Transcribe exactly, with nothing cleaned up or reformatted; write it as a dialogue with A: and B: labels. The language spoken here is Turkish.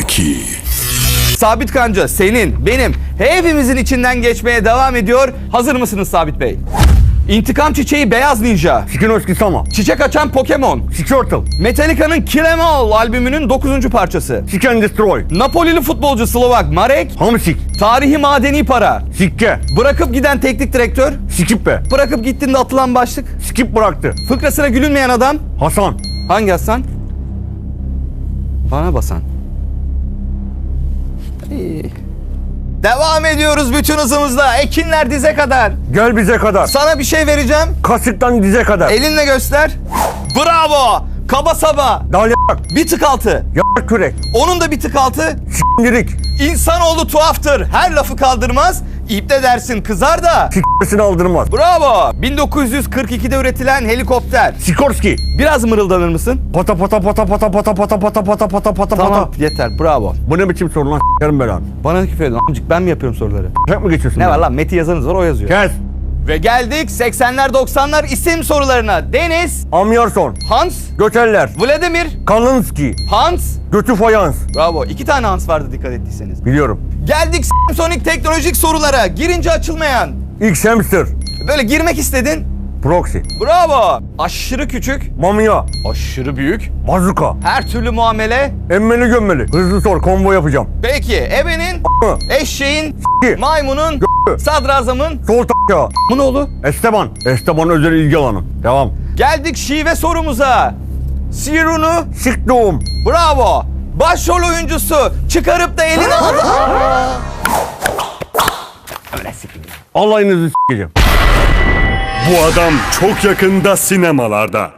A: zeki.
B: Sabit Kanca senin, benim, hepimizin içinden geçmeye devam ediyor. Hazır mısınız Sabit Bey? İntikam çiçeği Beyaz Ninja.
C: Sikinoski Sama.
B: Çiçek açan Pokemon.
C: Squirtle.
B: Metallica'nın Kill 'Em All albümünün dokuzuncu parçası.
C: Seek and Destroy.
B: Napolili futbolcu Slovak Marek.
C: Hamsik.
B: Tarihi madeni para.
C: Sikke.
B: Bırakıp giden teknik direktör.
C: Skippe.
B: Bırakıp gittiğinde atılan başlık.
C: Skip bıraktı.
B: Fıkrasına gülünmeyen adam.
C: Hasan.
B: Hangi Hasan? Bana basan. İyi. Devam ediyoruz bütün hızımızla. Ekinler dize kadar.
C: Gel bize kadar.
B: Sana bir şey vereceğim.
C: Kasıktan dize kadar.
B: Elinle göster. Bravo. Kaba saba.
C: Dalyak.
B: Bir tık altı.
C: Yak kürek.
B: Onun da bir tık altı.
C: S***lirik.
B: İnsanoğlu tuhaftır. Her lafı kaldırmaz. İpte dersin kızar da.
C: S***sini aldırmaz.
B: Bravo. bin dokuz yüz kırk ikide üretilen helikopter.
C: Sikorski.
B: Biraz mırıldanır mısın?
C: Pata pata pata pata pata pata pata pata pata pata
B: Tamam
C: pata.
B: yeter bravo.
C: Bu ne biçim soru lan s**erim belanı.
B: Bana küfür edin amcık, ben mi yapıyorum soruları?
C: Tek mi geçiyorsun?
B: Ne var lan, Meti yazanız var, o yazıyor.
C: Kes.
B: Ve geldik seksenler doksanlar isim sorularına. Deniz,
C: Amyarson.
B: Hans,
C: Göteller.
B: Vladimir,
C: Kalinski.
B: Hans.
C: Götü fayans.
B: Bravo. İki tane Hans vardı dikkat ettiyseniz.
C: Biliyorum.
B: Geldik Samsonic teknolojik sorulara. Girince açılmayan.
C: X hamster.
B: Böyle girmek istedin.
C: Proxy.
B: Bravo. Aşırı küçük.
C: Mamya.
B: Aşırı büyük.
C: Bazuka.
B: Her türlü muamele.
C: Emmeli gömmeli. Hızlı sor, combo yapacağım.
B: Peki ebenin,
C: Hı.
B: eşeğin,
C: S**ki.
B: maymunun,
C: Gö-
B: sadrazamın.
C: Sol t***ya.
B: Bu ne oldu?
C: Esteban. Esteban özel ilgi alanı. Devam.
B: Geldik şive sorumuza. Sirunu.
C: Sik doğum.
B: Bravo. Başrol oyuncusu çıkarıp da eline aldı.
C: Allah'ınızı s**eceğim.
A: Bu adam çok yakında sinemalarda.